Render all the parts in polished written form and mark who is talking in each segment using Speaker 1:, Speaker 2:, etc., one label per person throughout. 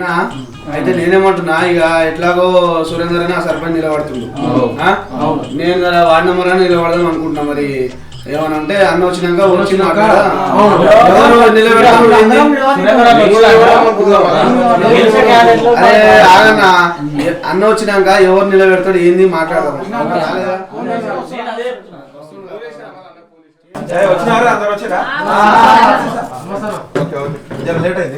Speaker 1: అన్నా అయితే నేనేమంటున్నా ఇక ఎట్లాగో సురేందర్ అని ఆ సర్పంచ్ నిలబడుతుండు నేను కదా వార్డు నెంబర్ అని నిలబడదాం అనుకుంటున్నా మరి ఏమనంటే అన్న వచ్చినాక ఆగన్నా అన్న వచ్చినాక ఎవరు నిలబెడతాడు ఏంది మాట్లాడదాం
Speaker 2: వచ్చినారా అందరు వచ్చారా లేట్ అయింది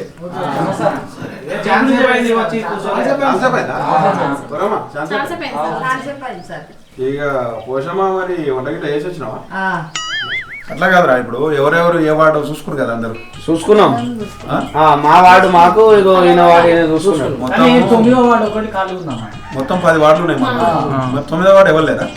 Speaker 2: ఇక పోషమా మరి వంటగిట్లా వేసి వచ్చినావా అట్లా కాదురా ఇప్పుడు ఎవరెవరు ఏ వాడు చూసుకున్నారు కదా అందరు
Speaker 1: చూసుకున్నాం మా వాడు మాకు ఇగో ఈయన వాడు చూసుకున్నాడు
Speaker 2: మొత్తం 10 వార్డులు ఉన్నాయి మరి 9వ వార్డు ఎవరు లేదా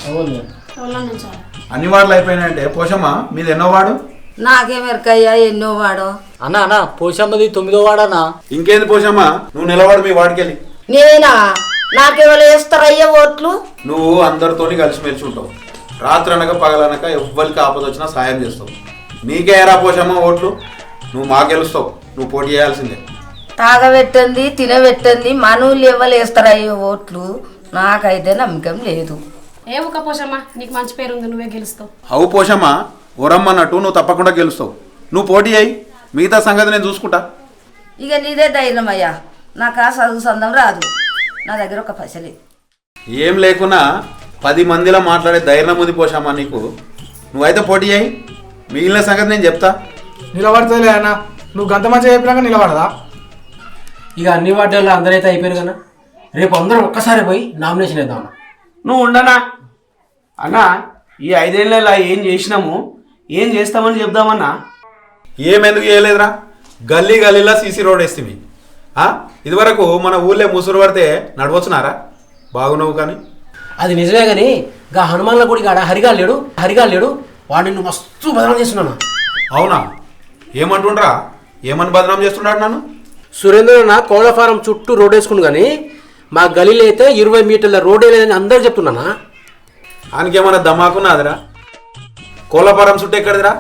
Speaker 2: అన్ని వార్డులు అయిపోయినాయంటే పోషమ్మా మీది ఎన్నో వాడు
Speaker 3: నాకేమెరకయ్యా ఎన్నో వాడు
Speaker 4: అన్న పోషమ్మది 9వ వాడనా
Speaker 2: ఇంకేంది పోషమ్మా నువ్వు నిలవాడు మీ వాడికి వెళ్ళి
Speaker 3: నేనా నాకెవరు వేస్తారయ్యా ఓట్లు
Speaker 2: నువ్వు అందరితోని కలిసిమెలిసి ఉంటావు రాత్రి అనక పగలనక ఎవ్వరికి ఆపద వచ్చినా సాయం చేస్తావు నీకే ఎరా పోషమ్మ ఓట్లు నువ్వు మా గెలుస్తావు నువ్వు పోటీ చేయాల్సిందే
Speaker 3: తాగబెట్టండి తినబెట్టండి మనూళ్ళు ఎవరు వేస్తారయ్యా ఓట్లు నాకైతే నమ్మకం లేదు
Speaker 5: ఏ ఒక పోషమ్మా నీకు మంచి పేరు ఉంది నువ్వే గెలుస్తావు
Speaker 2: అవు పోషమ్మ ఓరమ్మన్నట్టు నువ్వు తప్పకుండా గెలుస్తావు నువ్వు పోటీ అయ్యి మిగతా సంగతి నేను చూసుకుంటా
Speaker 3: ఇక నీదే ధైర్యం అయ్యా నాకు ఆ చదువు సందం రాదు నా దగ్గర ఒక పైసలే
Speaker 2: ఏం లేకున్నా 10 మందిలో మాట్లాడే ధైర్యం ఉంది పోషమ్మ నీకు నువ్వైతే పోటీ అయ్యి మిగిలిన సంగతి నేను చెప్తా
Speaker 6: నిలబడతలే అన్న నువ్వు గంత మంచిగా చెప్పినాక నిలబడదా
Speaker 4: ఇక అన్ని వార్డుల్లో అందరైతే అయిపోయారు కదా రేపు అందరం ఒక్కసారి పోయి నామినేషన్ వేద్దాం
Speaker 1: నువ్వు ఉండనా అన్నా ఈ 5 ఏళ్ళ ఏం చేసినాము ఏం చేస్తామని చెప్దామన్నా
Speaker 2: ఏమెందుకు చేయలేదురా గల్లీ గల్లీలా సీసీ రోడ్ వేస్తుంది ఇదివరకు మన ఊళ్ళో ముసురు పడితే నడవచ్చునారా బాగున్నావు కానీ
Speaker 4: అది నిజమే కానీ గా హనుమాన్ల గుడి కాడ హరిగా లేడు వాడిని నువ్వు మస్తు బదనాం చేస్తున్నాను
Speaker 2: అవునా ఏమంటుండ్రా ఏమని బదనాం చేస్తున్నాడు నన్ను
Speaker 4: సురేంద్ర కోళ్ళ ఫారం చుట్టూ రోడ్ వేసుకుని కానీ మా గలీలో అయితే 20 మీటర్ల రోడ్ వేయలేదని అందరు చెప్తున్నానా
Speaker 2: ఆయనకేమన్నా దమాకున్నాదిరా కోళ్ళపారం చుట్టూ ఎక్కడిదిరా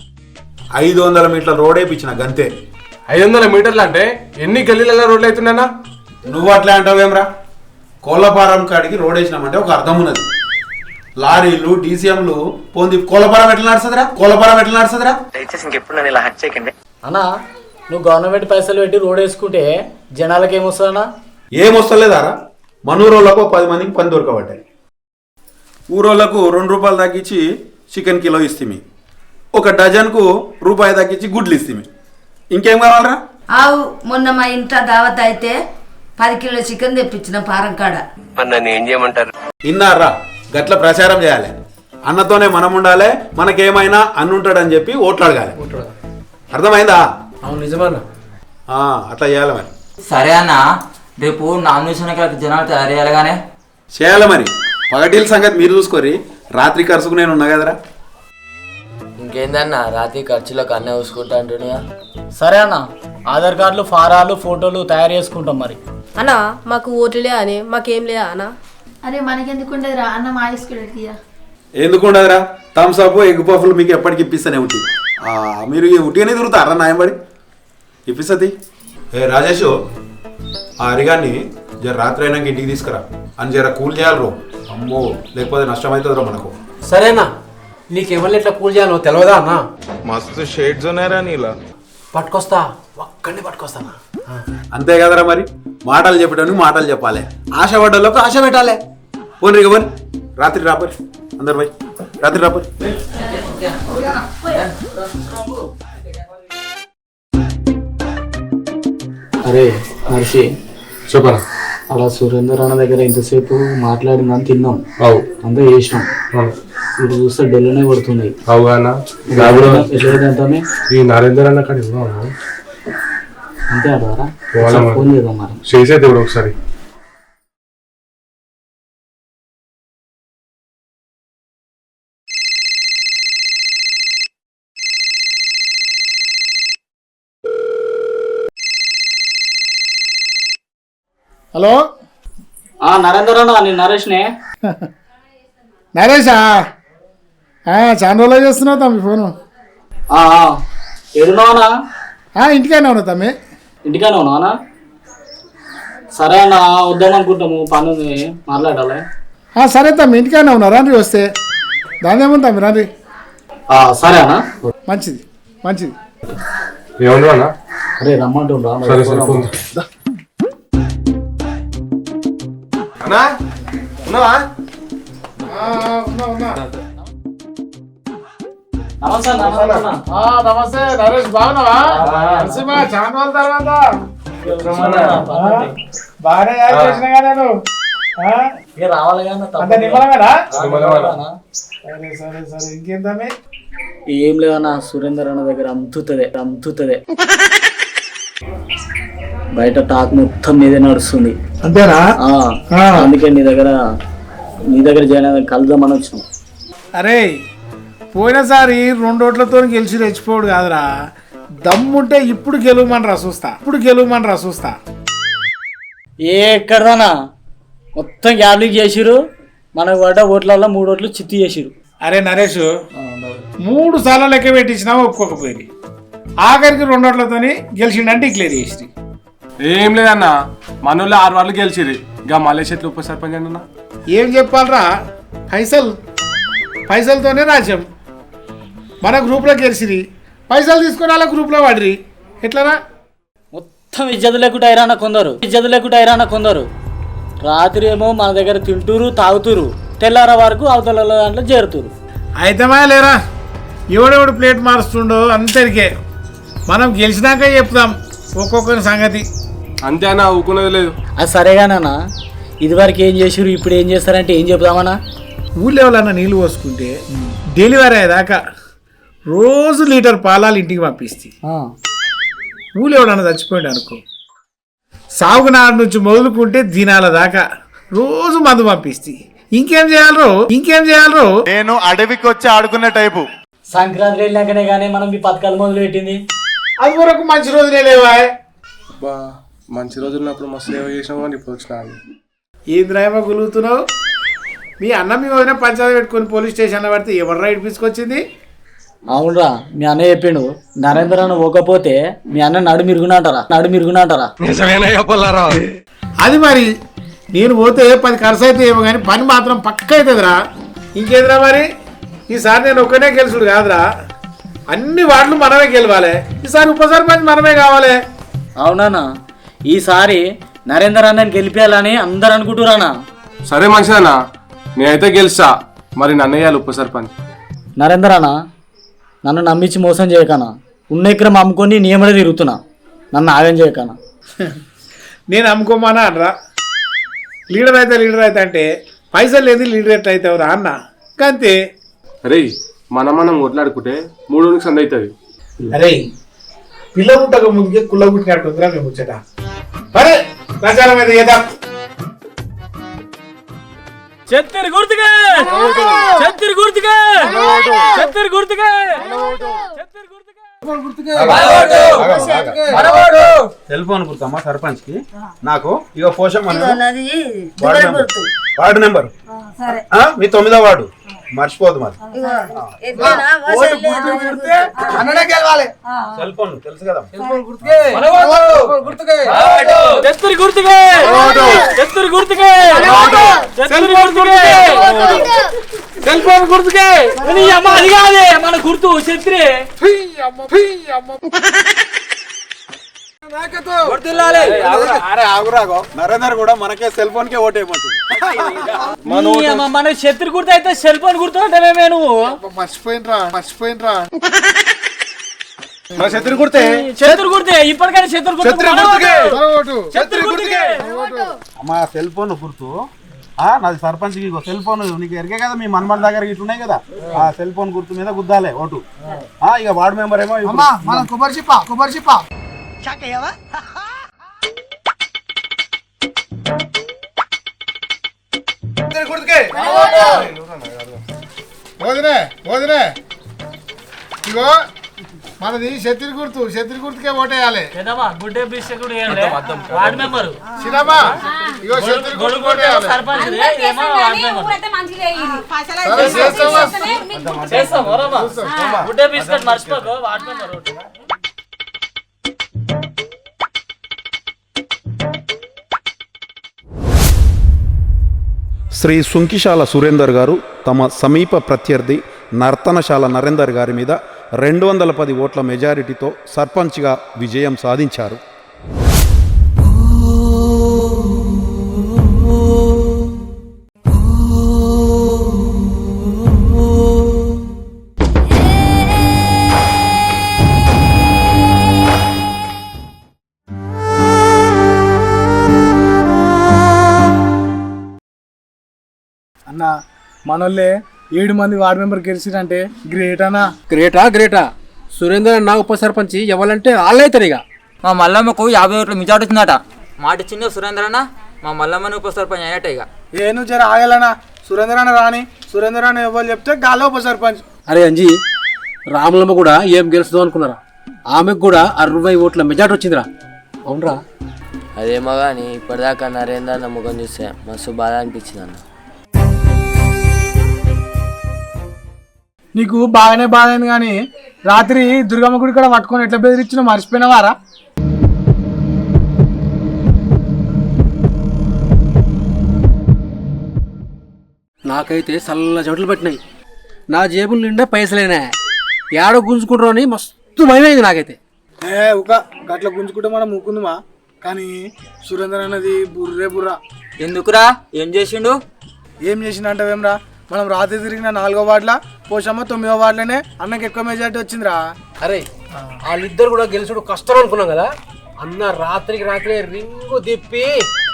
Speaker 2: 500 మీటర్ల రోడ్ వేయించిన గంతే
Speaker 6: 500 మీటర్లు అంటే ఎన్ని గల్లీలలో రోడ్లు అవుతున్నానా
Speaker 2: నువ్వు అట్లా అంటావేమ్రా కోళ్ళపారం కాడికి రోడ్ వేసినామంటే ఒక అర్థం ఉన్నది లారీలు డీసీఎంలు పోంది కోళ్ళపారం ఎట్లా నడుస్తుందిరా
Speaker 7: దయచేసి ఇంకెప్పుడు నన్ను ఇలా హట్ చేయకండి
Speaker 4: అన్నా నువ్వు గవర్నమెంట్ పైసలు పెట్టి రోడ్ వేసుకుంటే జనాలకి ఏమొస్తుందన్నా
Speaker 2: ఏమొస్తలేదారా మనూరోళ్ళకు 10 మందికి పని దొరకబట్టాయి ఊరోళ్ళకు 2 రూపాయలు తగ్గించి చికెన్ కిలో ఇస్తుంది ఒక డజన్కు రూపాయి తగ్గించి గుడ్లు ఇస్తుంది ఇంకేం కావాలరా
Speaker 3: ఆవు మొన్న మా ఇంట్లో దావత్ అయితే 10 కిలోల చికెన్ తెప్పించిన పారం కాడ
Speaker 7: నన్ను ఏం చేయమంటారు
Speaker 2: ఇన్నారా గట్ల ప్రచారం చేయాలి అన్నతోనే మనం ఉండాలి మనకేమైనా అన్నుంటాడని చెప్పి ఓట్లు అడగాలి అర్థమైందా
Speaker 4: అవును నిజమన్నా
Speaker 2: అట్లా చేయాలి మరి
Speaker 8: సరే అన్న రేపు నామినేషన్ జనాలు తయారు చేయాలిగానే
Speaker 2: చేయాలి మరి పగటిల సంగతి మీరు చూసుకోరి రాత్రి ఖర్చుకు నేను ఉన్నా కదరా
Speaker 8: ఇంకేందన్న రాత్రి ఖర్చులకు అన్నీ చూసుకుంటా అంటున్నా
Speaker 4: సరే అన్న ఆధార్ కార్డులు ఫారాలు ఫోటోలు తయారు చేసుకుంటాం మరి
Speaker 5: అన్నా మాకు ఓట్లే అని మాకేం లేదా అన్న
Speaker 9: అరే మనకెందుకు ఉండదురా అన్న మా తీసుకెళ్ళి
Speaker 2: ఎందుకు ఉండదురా థమ్స్ అప్ ఎగ్ పఫ్లు మీకు ఎప్పటికి ఇప్పిస్తానే ఉట్టి మీరు ఉట్టిగానే తిరుగుతారా నాయంబడి ఇప్పిస్తుంది రాజేష్ ఆ అరిగాన్ని జర రాత్రి అయినాక ఇంటికి తీసుకురా అని జర కూల్ చేయాలి రో అమ్మో లేకపోతే నష్టం అవుతుంది రో మనకు
Speaker 4: సరేనా నీకు ఎవరిని ఎట్లా కూల్ చేయాలో తెలియదా అన్న
Speaker 10: మస్తు షేడ్స్ ఉన్నారా నీలా
Speaker 4: పట్టుకొస్తా ఒక్కడిని పట్టుకొస్తానా
Speaker 2: అంతే కదరా మరి మాటలు చెప్పడానికి మాటలు చెప్పాలి ఆశ పడ్డలోకి ఆశ పెట్టాలి పోనీ ఇక పోనీ రాత్రి రాపరి అందరు పోయి రాత్రి రాపరి
Speaker 4: అరే మనిషి చెప్పరా అలా సురేందర్ అన్న దగ్గర ఇంతసేపు మాట్లాడిందని తిన్నాం అంతా చేసినాం ఇప్పుడు చూస్తే డెల్లనే పడుతున్నాయి
Speaker 6: ఈ నరేందర్ అన్న కాడ
Speaker 4: అంతే అడగారా ఫోన్ చేద్దాం మరి
Speaker 6: చేసేది ఇప్పుడు ఒకసారి
Speaker 11: హలో
Speaker 4: నరేందర్ అన్న నేను నరేష్నే
Speaker 11: నరేషా చాలా రోజులు చేస్తున్నావు తమ్మి ఫోను
Speaker 4: ఏడున్నావనా
Speaker 11: ఇంటికైనా ఉన్నావు తమ్మి
Speaker 4: ఇంటికానే ఉన్నావనా సరే అన్న వద్దాం అనుకుంటాము పని ఉంది మాట్లాడాలి.
Speaker 11: సరే తమ్మి ఇంటికైనా ఉన్నా రండి వస్తే దాని ఏముంది తమ్మి రండి.
Speaker 4: సరే అన్న
Speaker 11: మంచిది మంచిది.
Speaker 6: ఏమన్నా అన్న?
Speaker 4: అరే రమ్మంటుండ్రా
Speaker 6: సరే సరే ఫోన్
Speaker 2: అన్నా ఉన్నావా?
Speaker 4: నమస్తే
Speaker 11: నమస్తే నరేష్ బాగున్నావా? నరసింహ చాలా రోజుల తర్వాత బాగానే యాడ్ చేసినాగా నేను.
Speaker 4: రావాలి
Speaker 11: అంత నిమ్మలమేనా? సరే సరే సరే ఇంకేందమ్మి?
Speaker 4: ఏం లేదన్న సురేందర్ అన్న దగ్గర అమ్ముతుంది బయట టాక్ మొత్తం మీదే నడుస్తుంది.
Speaker 11: అంతేనా?
Speaker 4: అందుకే నీ దగ్గర జాయిన్ కలుద్దామని వచ్చినాం.
Speaker 11: అరే పోయినసారి 2 ఓట్లతో గెలిచి రెచ్చిపోడు కాదురా, దమ్ముంటే ఇప్పుడు గెలవమని చూస్తా.
Speaker 4: ఎక్కడదానా మొత్తం గ్యాబ్లింగ్ చేసిరు, మనకు పడ్డ ఓట్లలో 3 ఓట్లు చిత్తి చేసిరు.
Speaker 11: అరే నరేష్ 3 సార్లు లెక్క పెట్టించినా ఒప్పుకోకపోయింది, ఆఖరికి 2 ఓట్లతో గెలిచిండంటే డిక్లేర్ చేసి.
Speaker 6: ఏం లేదన్న, మనోళ్ళు 6 వాళ్ళు గెలిచిరి. ఇంకా మలేష్ ఎట్లా ఉప సర్పంచ్ అన్న
Speaker 11: ఏం చెప్పాలరా, పైసలతోనే రాజ్యం. మన గ్రూప్లో గెలిచిరి, పైసలు తీసుకుని వాళ్ళ గ్రూప్లో వాడిరి, ఎట్లనా?
Speaker 4: మొత్తం ఇజ్జతు లేకుండా అయిరాన కొందరు రాత్రి ఏమో మన దగ్గర తింటూరు తాగుతురు, తెల్లార వరకు అవతల దాంట్లో చేరుతురు.
Speaker 11: అయితమా లేరా, ఎవడెవడు ప్లేట్ మారుస్తుండో అందరికే మనం గెలిచినాక చెప్తాం ఒక్కొక్కరి సంగతి.
Speaker 6: అంతే అన్న, ఊకున్నది లేదు.
Speaker 4: అది సరేగానన్నా, ఇదివరకు ఏం చేసిరు ఇప్పుడు ఏం చేస్తారంటే ఏం చెప్దామన్నా?
Speaker 11: ఊళ్ళో ఎవరన్నా నీళ్ళు పోసుకుంటే డెలివరీ అయ్యేదాకా రోజు లీటర్ పాలాలు ఇంటికి పంపిస్తే, ఊళ్ళో ఎవడన్నా చచ్చిపోయాడు అనుకో, సాగునాడు నుంచి మొదలుకుంటే దినాల దాకా రోజు మందు పంపిస్తే ఇంకేం చేయాలరో?
Speaker 10: నేను అడవికి వచ్చి ఆడుకునే టైపు.
Speaker 4: సంక్రాంతి వెళ్ళాకనే కానీ మనం ఈ పథకాలు మొదలు పెట్టింది.
Speaker 11: అది వరకు మంచి రోజులే లేవా?
Speaker 6: మంచి రోజులు ఉన్నప్పుడు మస్తు సేవ చేసినాం కానీ ఇప్పుడు వచ్చినా
Speaker 11: ఏం రాయమో గులుగుతున్నావు? మీ అన్న మీ వదిన పంచాయతీ పెట్టుకుని పోలీస్ స్టేషన్లో పడితే ఎవరు రైడ్ తీసుకొచ్చింది?
Speaker 4: అవునరా, మీ అన్న చెప్పిండు నరేంద్ర అన్న పోకపోతే మీ అన్న నడు మిరుగునంటారా?
Speaker 11: అది మరి నేను పోతే 10 ఖర్చు అయితే ఏమో కానీ పని మాత్రం పక్క అవుతుందిరా. ఇంకేదిరా మరి, ఈసారి నేను ఒక్కనే గెలుచుడు కాదురా, అన్ని వార్డులు మనమే గెలవాలి. ఈసారి ఉప సర్పంచ్ మనమే కావాలి.
Speaker 4: అవునా, ఈసారి నరేందర్ అన్నని గెలిపేయాలని అందరు అనుకుంటురానా?
Speaker 6: సరే మంచిదన్నా, నేనైతే గెలుస్తా. మరి నన్ను వేయాలి ఉప సర్పంచ్.
Speaker 4: నరేందర్ అన్న నన్ను నమ్మించి మోసం చేయకనా, ఉన్న ఎకరం అమ్ముకొని నియమడే తిరుగుతున్నా, నన్ను ఆగం చేయకనా.
Speaker 11: నేను అమ్ముకోమానా అనరా, లీడర్ అయితే అంటే పైసలు లేదు లీడర్ ఎట్లా అవుతావురా అన్న, అంతే.
Speaker 6: అరే మనం కొట్లాడుకుంటే 3 సంద అవుతుంది.
Speaker 11: అరే పిల్ల పుట్టక ముందుకే కుల్ల పుట్టినట్టుందిరా మేము ముచ్చట. సరే ప్రచారం అయితే చేద్దాం.
Speaker 4: చెత్తరి గుర్తుగా
Speaker 2: సెల్ ఫోన్ గుర్తమ్మా సర్పంచ్ కి. నాకు ఇక పోషం
Speaker 3: నాది గుర్తు.
Speaker 2: వార్డు నెంబర్ మీ 9వ వార్డు, మర్చిపోదు మరి. సెల్ ఫోన్ తెలుసు కదా.
Speaker 4: మన గుర్తు చెత్రి
Speaker 2: నరేందర్ కూడా మనకే సెల్ ఫోన్ కే ఓటేయమంటుంది.
Speaker 4: మన శత్రు గుర్తు అయితే సెల్ ఫోన్ గుర్తు అంటే నువ్వు
Speaker 11: మర్చిపోయినరా
Speaker 2: శత్రు గుర్తే
Speaker 4: ఇప్పటికైనా శత్రు గుర్తుకే
Speaker 2: అమ్మా సెల్ ఫోన్ గుర్తు. నాది సర్పంచ్ కి సెల్ ఫోన్ నీకు ఎరిగే కదా, మీ మన్మల దగ్గర ఇట్లున్నాయి కదా, ఆ సెల్ ఫోన్ గుర్తు మీద గుద్దాలే ఓటు. ఇక వార్డు మెంబర్ ఏమో
Speaker 11: కొబ్బరి చిప్ప వదిలే ఇగో మనది శత్రు గుర్తుకే ఓటేయాలి.
Speaker 4: వార్డు మెంబర్
Speaker 11: సినిమా ఇగో శత్రు గుర్తు ఓటేయాలి.
Speaker 4: మర్చిపోకు వార్డు మెంబర్.
Speaker 2: శ్రీ సుంకిశాల సురేందర్ గారు తమ సమీప ప్రత్యర్థి నర్తనశాల నరేందర్ గారి మీద 210 ఓట్ల మెజారిటీతో సర్పంచ్గా విజయం సాధించారు.
Speaker 11: అన్న మనోళ్ళే 7 మంది వార్డు మెంబర్ గెలిచిరంటే గ్రేట్ అన్నా.
Speaker 4: గ్రేటా సురేందర్ అన్న ఉప సర్పంచ్ ఇవ్వాలంటే వాళ్ళైతారు ఇక.
Speaker 8: మా మల్లమ్మకు 50 ఓట్ల మెజార్టీ వచ్చిందట. మాట ఇచ్చింది సురేందర్ అన్న, మా మల్లమ్మని ఉప సర్పంచ్ అయినట్టే ఇక.
Speaker 11: నువ్వు జర ఆగలనా, సురేందర్ అన్న రాని, సురేందర్ అన్న ఎవరు చెప్తే గాలో ఉప సర్పంచ్.
Speaker 4: అరే అంజీ, రాములమ్మ కూడా ఏం గెలుస్తుందో అనుకున్నారా? ఆమెకు కూడా 60 ఓట్ల మెజార్టీ వచ్చిందిరా. అవునరా?
Speaker 8: అదేమో కానీ ఇప్పటిదాకా నరేందర్ అన్న ముఖం చూస్తే మస్తు బాధ అనిపించింది అన్న.
Speaker 11: నీకు బాగానే బాధ అయింది కానీ రాత్రి దుర్గమ్మ గుడి కూడా పట్టుకొని ఎట్లా బెదిరించినా మర్చిపోయినవారా?
Speaker 4: నాకైతే చల్ల చెట్లు పట్టినాయి. నా జేబుల నిండా పైసలేనా, ఏడో గుంజుకుంటారు అని మస్తు భయమైంది నాకైతే.
Speaker 11: ఒక గట్ల గుంజుకుంటే మనం ముక్కుందుమా, కానీ సురేందర్ అన్నది బుర్రే బుర్రా.
Speaker 8: ఎందుకురా, ఏం చేసిండు?
Speaker 11: ఏం చేసిందంటావేమ్రా? మనం రాత్రి తిరిగిన 4వ వార్డుల పోషమ్మ 9వ వార్డులోనే అన్నకి ఎక్కువ మెజార్టీ వచ్చిందిరా.
Speaker 4: అరే వాళ్ళిద్దరు కూడా గెలుచుడు కష్టం అనుకున్నాం కదా అన్న. రాత్రికి రాత్రి రింగు తిప్పి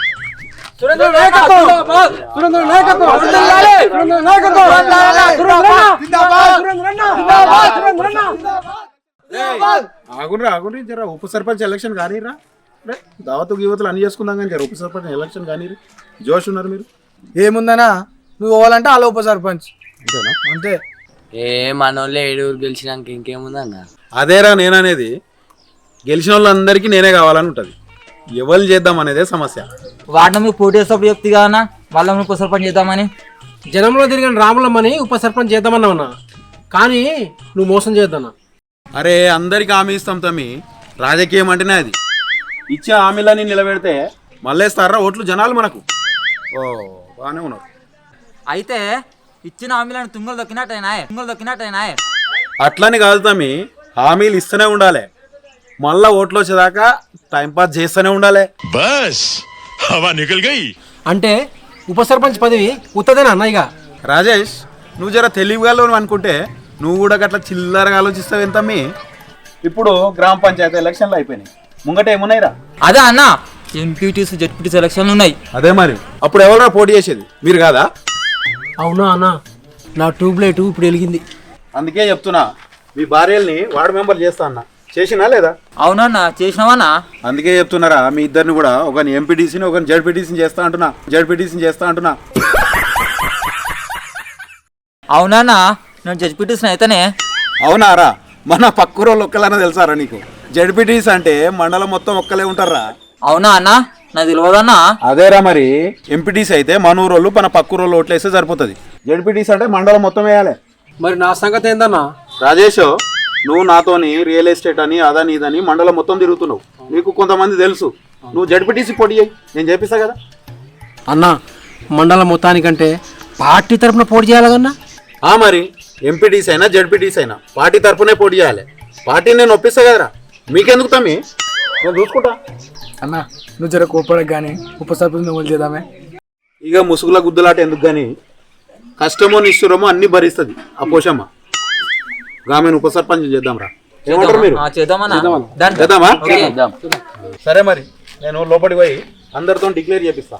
Speaker 2: ఆగుండ్రి జర ఉప సర్పంచ్ ఎలక్షన్ కానీరా. దావతు యువతలు అన్ని చేసుకుందాం కానీ జర ఉప సర్పంచ్ ఎలక్షన్ కానీ జోష్ ఉన్నారు మీరు.
Speaker 11: ఏముందనా, నువ్వు పోవాలంటే అలా ఉప సర్పంచ్ అంతే.
Speaker 8: మనోళ్ళే 7 ఊరు గెలిచినాక ఇంకేముందన్న?
Speaker 2: అదేరా నేననేది, గెలిచిన వాళ్ళందరికీ నేనే కావాలని ఉంటుంది. ఎవరు చేద్దాం అనేదే సమస్య.
Speaker 8: వార్డు నెంబర్ పోటీ చేసేటప్పుడు చెప్తే కాదన్నా వాళ్ళని ఉప సర్పంచ్ చేద్దామని.
Speaker 4: జనంలో తిరిగిన రాములమ్మని ఉప సర్పంచ్ చేద్దామన్నావున్నా, కానీ నువ్వు మోసం చేద్దానా.
Speaker 2: అరే అందరికి హామీ ఇస్తాం తమ్మి, రాజకీయం అంటేనే అది. ఇచ్చే హామీలని నిలబెడితే మళ్ళేస్తారా ఓట్లు జనాలు మనకు. ఓ బాగానే ఉన్నారు.
Speaker 8: అయితే ఇచ్చిన హామీలను తుంగలు దొక్కినట్టయినా.
Speaker 2: అట్లని కాదు తమ్మి, హామీలు ఇస్తూనే ఉండాలి, మళ్ళా ఓట్లు వచ్చేదాకా టైంపాస్ చేస్తూనే ఉండాలి.
Speaker 10: బస్ హవా నికల్ గయి.
Speaker 4: అంటే ఉప సర్పంచ్ పదవి ఉత్తదేనా అన్న? ఇక
Speaker 2: రాజేష్, నువ్వు జర తెలివిగా అనుకుంటే నువ్వు కూడా గట్లా చిల్లరగా ఆలోచిస్తావు ఎంతమ్మి. ఇప్పుడు గ్రామ పంచాయతీ ఎలక్షన్లు అయిపోయినాయి, ముంగట ఏమున్నాయిరా?
Speaker 8: అదే అన్న, ఎంపీటీసీ జెడ్పీటీసీ ఎలక్షన్లు ఉన్నాయి.
Speaker 2: అదే మరి, అప్పుడు ఎవరైనా పోటీ చేసేది మీరు కాదా?
Speaker 4: అవునా అన్న, నా ట్యూబ్లైట్ ఇప్పుడు వెలిగింది.
Speaker 2: అందుకే చెప్తున్నా, మీ భార్యల్ని వార్డు మెంబర్ చేస్తా అన్న, చేసినా లేదా?
Speaker 8: అవునన్నా, చేసినావన్నా.
Speaker 2: అందుకే చెప్తున్నారా, మీ ఇద్దరిని కూడా ఒకరిని ఎంపీటీసీని ఒకరిని జెడ్పీటీసీని చేస్తా అంటున్నా.
Speaker 8: అవునా, నేను జెడ్పీటీసీని అయితేనే.
Speaker 2: అవునారా? మన పక్కూరోళ్ళు ఒక్కలన్నా తెలుసారా నీకు? జెడ్పీటీసీ అంటే మండలం మొత్తం ఒక్కలే ఉంటారా.
Speaker 8: అవునా అన్న, నాకు తెలియదన్నా.
Speaker 2: అదేరా మరి, ఎంపీటీసీ అయితే మన ఊరోళ్ళు మన పక్కూరోళ్ళు ఓట్లేస్తే సరిపోతుంది. జెడ్పీటీసీ అంటే మండలం మొత్తం వేయాలి.
Speaker 4: మరి నా సంగతి ఏందన్నా?
Speaker 2: రాజేష్, నువ్వు నాతోని రియల్ ఎస్టేట్ అని అదని ఇదని మండలం మొత్తం తిరుగుతున్నావు, నీకు కొంతమంది తెలుసు. నువ్వు జెడ్పీటీసీ పోటీ చేయి, నేను చేపిస్తా కదా.
Speaker 4: అన్న, మండలం మొత్తానికంటే పార్టీ తరఫున పోటీ చేయాలన్నా?
Speaker 2: మరి ఎంపీటీసీ అయినా జెడ్పీటీసీ అయినా పార్టీ తరఫునే పోటీ చేయాలి. పార్టీని నేను ఒప్పిస్తా కదరా, మీకెందుకు తమ్మి, నేను చూసుకుంటా.
Speaker 11: అన్న నువ్వు జర కోపడకు కానీ ఉప సర్పంచ్ నువ్వు చేద్దామే.
Speaker 2: ఇక ముసుగుల గుద్దులాట ఎందుకు కానీ, కష్టమో నిష్ఠురమో అన్ని భరిస్తుంది ఆ పోషమ్మ. ఆమెను ఉప సర్పంచ్ చేద్దాంరా, ఏమంటారు మీరు? చేద్దామా? సరే మరి, నేను లోపలికి పోయి అందరితో డిక్లేర్ చేపిస్తా.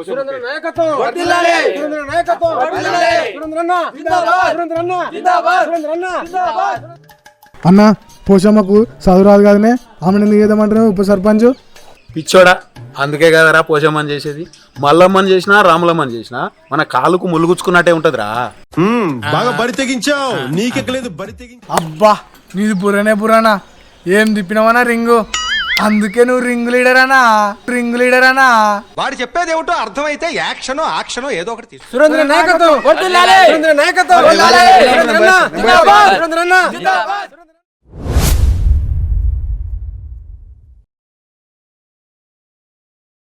Speaker 11: అన్న పోషమ్మకు చదువు రాదు కదనే, ఆమెను ఎందుకు చేద్దామంటున్నావు ఉప సర్పంచ్?
Speaker 2: పిచ్చోడా, అందుకే కదరా పోషమ్మని చేసేది. మల్లమ్మని చేసినా రాములమ్మని చేసినా మన కాలుకు ములుగుచ్చుకున్నట్టే ఉంటదిరా.
Speaker 10: బాగా బరి తెగించావు, నీకెక్కలేదు బరి తెగించావు.
Speaker 11: అబ్బా నీది బుర్రనా, ఏం తిప్పినావనా రింగు, అందుకే నువ్వు రింగు లీడర్ అనా.
Speaker 10: వాడు చెప్పేది ఏమిటో అర్థమైతే యాక్షనో ఏదో ఒకటి తీసు.
Speaker 4: సురేంద్ర నాయకత్వం.